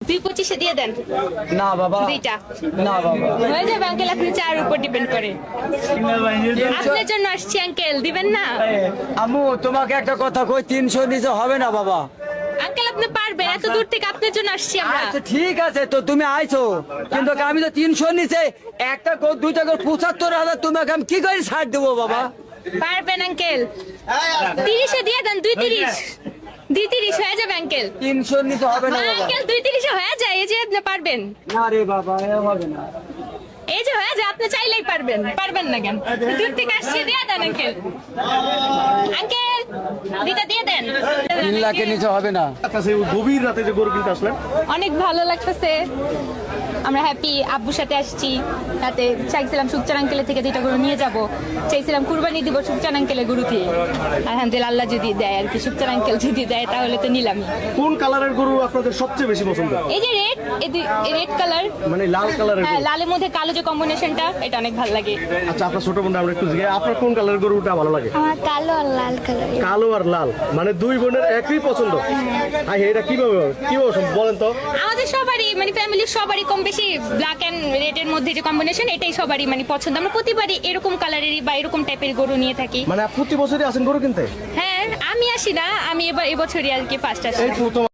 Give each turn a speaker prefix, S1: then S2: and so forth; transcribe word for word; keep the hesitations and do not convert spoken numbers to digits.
S1: দুই পঁচিশে দিয়ে দেন।
S2: না বাবা,
S1: দুইটা
S2: না বাবা,
S1: হয়ে যাবে আঙ্কেল, আপনি চার উপর ডিপেন্ড করে। আপনার জন্য আসছি আঙ্কেল, দিবেন না?
S2: আম্মু তোমাকে একটা কথা কই, তিনশো নিচে হবে না বাবা।
S1: আঙ্কেল আপনি পারবেন, এত দূর থেকে আপনার জন্য আসছি আমরা।
S2: আচ্ছা ঠিক আছে, তো তুমি আইছো, কিন্তু আমি তো তিনশো নিচে একটা কো দুইটা করে পঁচাত্তর হাজার তোমাকে আমি কি করে ছাড় দেবো বাবা?
S1: পারবেন আঙ্কেল, তিরিশে দিয়ে দেন। দুই তিরিশ দুই তিরিশ হয়ে যাবে আঙ্কেল।
S2: তিনশো নিচে হবে না বাবা।
S1: আঙ্কেল দুই তিরিশে হয়ে যায়, এই যে আপনি পারবেন।
S2: না রে বাবা, এ হবে না।
S1: এই যে হয়ে যায়, আপনি চাইলেই পারবেন। পারবেন না কেন? দূর থেকে আসছি, দিয়ে দেন আঙ্কেল। আঙ্কেল দুইটা দিয়ে দেন।
S2: তিন লাখের নিচে হবে না।
S3: কাছে গভীর রাতে যে গরু কিনতে আসলেন,
S1: অনেক ভালো লাগতেছে, আমরা হ্যাপি। আব্বুর সাথে আসছি, তাতে চাইছিলাম সুকচান আঙ্কেলের থেকে দুইটা গরু নিয়ে যাব, চাইছিলাম কুরবানি দিব সুকচান আঙ্কেলের গরু দিয়ে। আলহামদুলিল্লাহ, আল্লাহ যদি দেয় আর কি, সুকচান আঙ্কেল যদি দেয় তাহলে তো নিলামই।
S3: কোন কালারের গরু আপনাদের সবচেয়ে বেশি পছন্দ?
S1: এই যে রেড, রেড কালার,
S3: মানে লাল কালারের
S1: হ্যাঁ
S3: গরু।
S1: লালের মধ্যে কালো যে কম্বিনেশনটা, এটা অনেক ভালো লাগে।
S3: আচ্ছা, আপনার ছোট বোনটা আমরা একটু জিজ্ঞাসা, আপনার কোন কালারের গরুটা ভালো লাগে?
S4: আমার কালো আর লাল কালার।
S3: কালো আর লাল, মানে দুই বোনের একই পছন্দ। আই এটা কিভাবে কিভাবে সম্ভব বলেন তো?
S1: আমাদের সবারই মানে ফ্যামিলির সবারই কম বেশি ব্ল্যাক এন্ড রেড এর মধ্যে যে কম্বিনেশন, এটাই সবারই মানে পছন্দ। আমরা প্রতিবারই এরকম কালারেরই বা এরকম টাইপের গরু নিয়ে থাকি।
S3: মানে প্রতি বছরই আসেন গরু কিনতে?
S1: হ্যাঁ, আমি আসি না, আমি এবার এবছরই আর কি ফার্স্ট আসি।
S3: এই প্রথম